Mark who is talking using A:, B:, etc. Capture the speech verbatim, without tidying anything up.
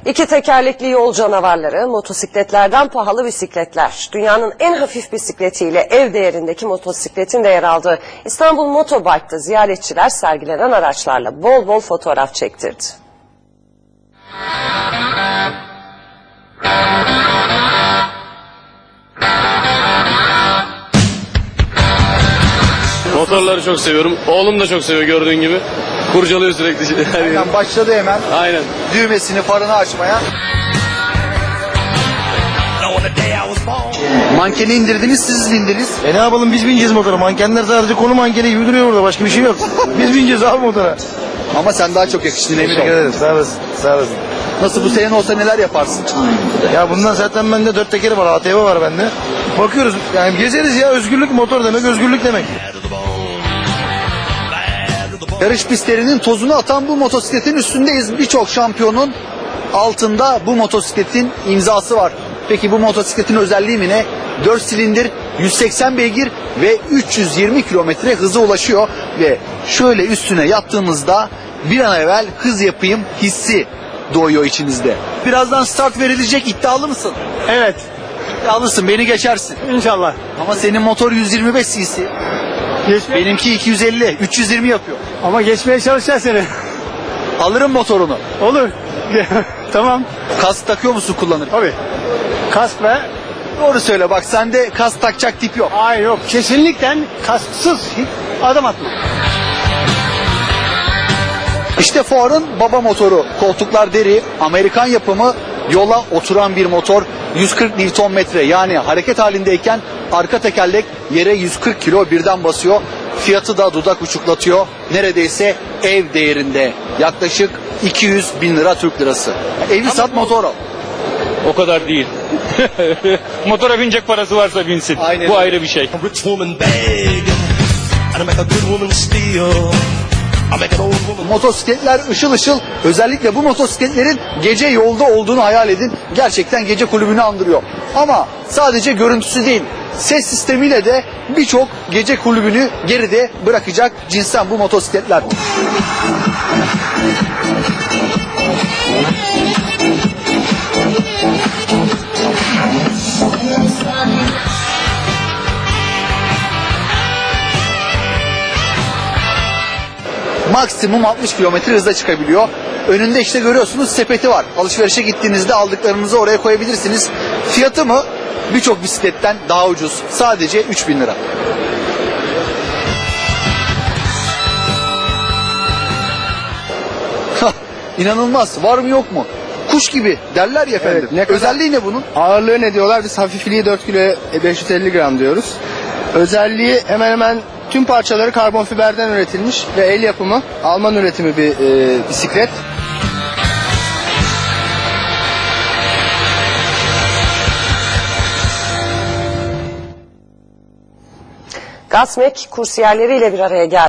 A: İki tekerlekli yol canavarları, motosikletlerden pahalı bisikletler. Dünyanın en hafif bisikletiyle ev değerindeki motosikletin de yer aldığı İstanbul Motobike'da ziyaretçiler sergilenen araçlarla bol bol fotoğraf çektirdi.
B: Motorları çok seviyorum. Oğlum da çok seviyor gördüğün gibi. Kurcalıyor sürekli.
C: Hemen başladı hemen.
B: Aynen.
C: Düğmesini, farını açmaya. Mankeni indirdiniz, siz indiniz.
D: E ne yapalım, biz bineceğiz motora. Mankenler sadece konu mankeni gibi duruyor burada. Başka bir şey yok. Biz bineceğiz abi motora.
C: Ama sen daha çok yakıştın emin
D: Teşekkür
C: ol.
D: ederim. Sağ olasın. Sağ olasın.
C: Nasıl, bu senin olsa neler yaparsın?
D: Ya bundan zaten bende dört tekeri var. A T V var bende. Bakıyoruz. Yani gezeriz ya. Özgürlük, motor demek özgürlük demek.
C: Yarış pistlerinin tozunu atan bu motosikletin üstündeyiz. Birçok şampiyonun altında bu motosikletin imzası var. Peki bu motosikletin özelliği mi ne? dört silindir, yüz seksen beygir ve üç yüz yirmi kilometre hıza ulaşıyor. Ve şöyle üstüne yattığınızda bir an evvel hız yapayım hissi doğuyor içinizde. Birazdan start verilecek, iddialı mısın?
E: Evet,
C: İddialısın, beni geçersin.
E: inşallah.
C: Ama senin motor yüz yirmi beş cc.
E: Geçme.
C: Benimki iki yüz elli, üç yüz yirmi yapıyor.
E: Ama geçmeye çalışacağız seni.
C: Alırım motorunu.
E: Olur. Tamam.
C: Kask takıyor musun kullanırken?
E: Tabii. Kask ve...
C: Doğru söyle, bak sende kask takacak tip yok.
E: Hayır yok. Kesinlikle kasksız adım atma.
C: İşte Ford'un baba motoru. Koltuklar deri, Amerikan yapımı, yola oturan bir motor. yüz kırk Newton metre, yani hareket halindeyken arka tekerlek yere yüz kırk kilo birden basıyor. Fiyatı da dudak uçuklatıyor. Neredeyse ev değerinde. Yaklaşık iki yüz bin lira Türk lirası. Evi sat, motor al.
F: O kadar değil. Motora binecek parası varsa binsin.
C: Aynen
F: Bu
C: öyle.
F: ayrı bir şey.
G: Rich woman begging, and I make a good woman steal. I make an old woman.
C: Motosikletler ışıl ışıl. Özellikle bu motosikletlerin gece yolda olduğunu hayal edin. Gerçekten gece kulübünü andırıyor. Ama sadece görüntüsü değil, ses sistemiyle de birçok gece kulübünü geride bırakacak cinsten bu motosikletler. Maksimum altmış kilometre hızla çıkabiliyor. Önünde işte görüyorsunuz sepeti var. Alışverişe gittiğinizde aldıklarınızı oraya koyabilirsiniz. Fiyatı mı birçok bisikletten daha ucuz. Sadece üç bin lira. İnanılmaz. Var mı yok mu? Kuş gibi derler ya efendim.
H: Evet, ne kadar-
C: Özelliği ne bunun?
H: Ağırlığı ne diyorlar? Biz hafifliği dört kilo beş yüz elli gram diyoruz. Özelliği hemen hemen tüm parçaları karbon fiberden üretilmiş ve el yapımı, Alman üretimi bir e, bisiklet.
A: Gasmek kursiyerleriyle bir araya geldi.